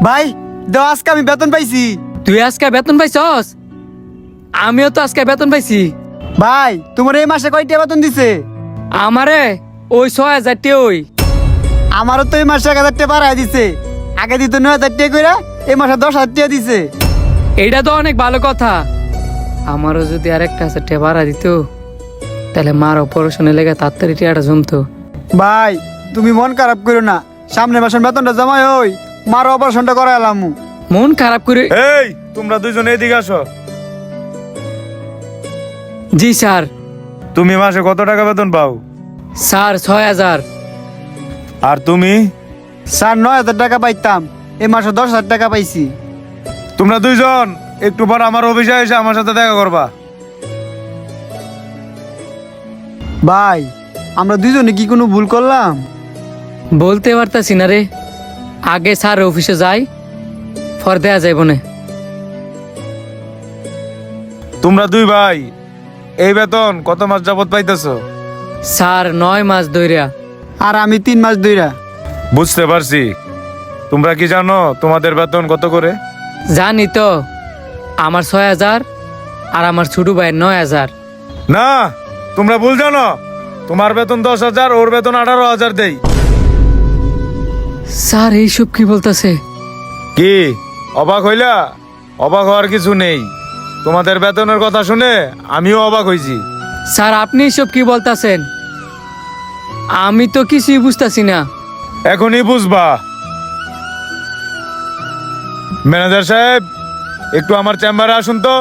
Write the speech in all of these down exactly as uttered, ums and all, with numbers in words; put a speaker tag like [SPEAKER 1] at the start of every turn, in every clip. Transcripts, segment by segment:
[SPEAKER 1] ভাই দাও, আজকে আমি বেতন পাইছি।
[SPEAKER 2] তুই আজকে বেতন পাইছস? আমিও তো আজকে বেতন পাইছি।
[SPEAKER 1] ভাই তোমার এই মাসে কয়টা বেতন দিছে?
[SPEAKER 2] আমারে ওই ছয় হাজার টি ওই
[SPEAKER 1] আমারও তো এই মাসে এক হাজার টাকা বাড়াই দিছে। আগে দিত নয় হাজার টাকা করে, এই মাসে দশ হাজার টাকা দিছে।
[SPEAKER 2] এইটা তো অনেক ভালো কথা। আমারও যদি আরেকটা হাজার টাকা বাড়া দিত তাহলে মার অপারেশনে লেগে তাড়াতাড়ি টিয়াটা জমতো।
[SPEAKER 1] ভাই তুমি মন খারাপ করো না, সামনের মাসের বেতনটা জমা হই মার অপারেশনটা করাইলাম।
[SPEAKER 2] মন খারাপ করে।
[SPEAKER 3] এই তোমরা দুইজন এদিকে আসো।
[SPEAKER 2] জি স্যার।
[SPEAKER 3] তুমি মাসে কত টাকা বেতন পাও?
[SPEAKER 2] স্যার ছয় হাজার।
[SPEAKER 3] আর তুমি?
[SPEAKER 1] স্যার নয় হাজার টাকা পাইতাম, এই মাসে দশ হাজার টাকা পাইছি।
[SPEAKER 3] তোমরা দুইজন একটু পর আমার অফিসে এসে আমার সাথে দেখা করবা।
[SPEAKER 1] ভাই আমরা দুইজনে কি কোনো ভুল করলাম?
[SPEAKER 2] বলতে পারতাছি না রে। আগে স্যার অফিসে যাই, ফর দেয়া যাইব না।
[SPEAKER 3] তোমরা দুই ভাই এই বেতন কত মাস যাবত পাইতেছো?
[SPEAKER 2] স্যার নয় মাস ধইরা।
[SPEAKER 1] আর আমি তিন মাস ধইরা।
[SPEAKER 3] বুঝতে পারছি। তোমরা কি জানো তোমাদের বেতন কত করে?
[SPEAKER 2] জানি তো, আমার ছয় হাজার আর আমার ছোট ভাইয়ের নয় হাজার।
[SPEAKER 3] না, তোমরা ভুল জানো। তোমার বেতন দশ হাজার, ওর বেতন আঠারো হাজার দেই।
[SPEAKER 2] স্যার এইসব কি বলতেছে?
[SPEAKER 3] কি অবাক হইলা? অবাক হওয়ার কিছু নেই। তোমাদের বেতনের কথা শুনে আমিও অবাক হয়েছি।
[SPEAKER 2] স্যার আপনি এসব কি বলতেছেন? আমি তো কিছুই বুঝতাছি না।
[SPEAKER 3] এখনই বুঝবা। ম্যানেজার সাহেব, একটু আমার চেম্বারে আসুন তো।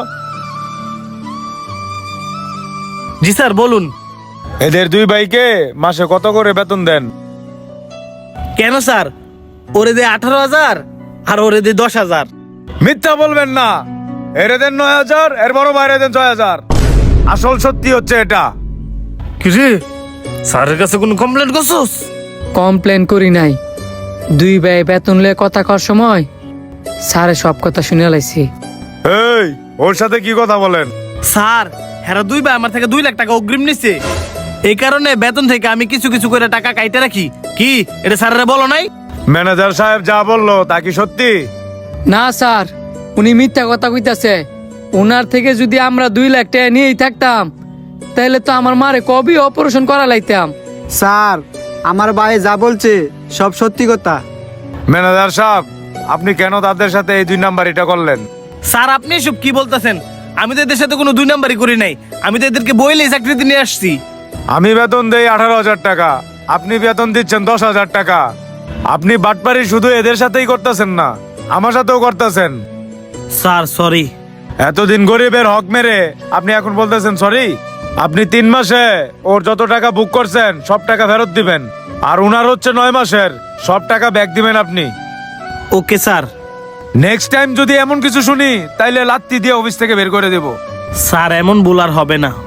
[SPEAKER 4] জি স্যার বলুন।
[SPEAKER 3] এদের দুই ভাইকে মাসে কত করে বেতন দেন?
[SPEAKER 4] কেন স্যার? ওরে দে আঠারো হাজার আর ওরে দে দশ হাজার।
[SPEAKER 3] মিথ্যা বলবেন না। এরে দেন নয় হাজার, এর বড় বাইরে দেন ছয় হাজার। আসল সত্যি হচ্ছে এটা।
[SPEAKER 4] কিরে, স্যারের কাছে কোনো কমপ্লেন করছস?
[SPEAKER 2] কমপ্লেন করি নাই। দুই ভাই বেতন লয়ে কথা কর সময় স্যারে সব কথা শুনে লাইছি।
[SPEAKER 3] এই ওর সাথে কি কথা বলেন?
[SPEAKER 4] স্যার হেরা দুই ভাই আমার থেকে দুই লাখ টাকা অগ্রিম নিছে। এই কারণে বেতন থেকে আমি কিছু কিছু করে টাকা কাইতে রাখি। কি এটা স্যারেরা বলো নাই?
[SPEAKER 3] ম্যানেজার সাহেব যা বললো তা কি সত্যি?
[SPEAKER 2] না স্যার, উনি মিথ্যা কথা কইতাছে। ওনার থেকে যদি আমরা দুই লাখ টাকা নিয়েই থাকতাম তাহলে তো আমার মারে কবি অপারেশন করা লাইতাম।
[SPEAKER 1] স্যার আমার ভাই যা বলছে সব সত্যি কথা।
[SPEAKER 3] ম্যানেজার সাহেব, আপনি কেন তাদের সাথে এই দুই নাম্বার এটা করলেন?
[SPEAKER 4] স্যার আপনি এসব কি বলতেছেন? আমি তো এদের সাথে কোনো দুই নাম্বারই করি নাই। আমি তো এদেরকে বইলেই চাকরিতে নিয়ে আসছি।
[SPEAKER 3] আমি বেতন দেই আঠারো হাজার টাকা, আপনি বেতন দিচ্ছেন দশ হাজার টাকা। আপনি বাটপারি শুধু এদের সাথেই করতেছেন না, আমার সাথেও করতেছেন।
[SPEAKER 4] Sir sorry.
[SPEAKER 3] এতদিন গরিবের হক মেরে আপনি এখন বলতেছেন সরি? আপনি তিন মাসে ওর যত টাকা বুক করছেন সব টাকা ফেরত দিবেন, আর উনার হচ্ছে নয় মাসের সব টাকা ব্যাক দিবেন আপনি।
[SPEAKER 4] Okay sir.
[SPEAKER 3] নেক্সট টাইম যদি এমন কিছু শুনি তাইলে লাত্তি দিয়ে অফিস থেকে বের করে দেব।
[SPEAKER 4] স্যার এমন ভুল আর হবে না।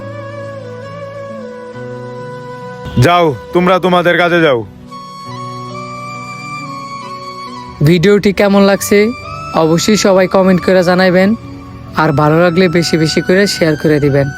[SPEAKER 3] যাও, তোমরা তোমাদের কাজে যাও।
[SPEAKER 2] ভিডিওটি কেমন লাগছে অবশ্যই সবাই কমেন্ট করে জানাইবেন, আর ভালো লাগলে বেশি বেশি করে শেয়ার করে দিবেন।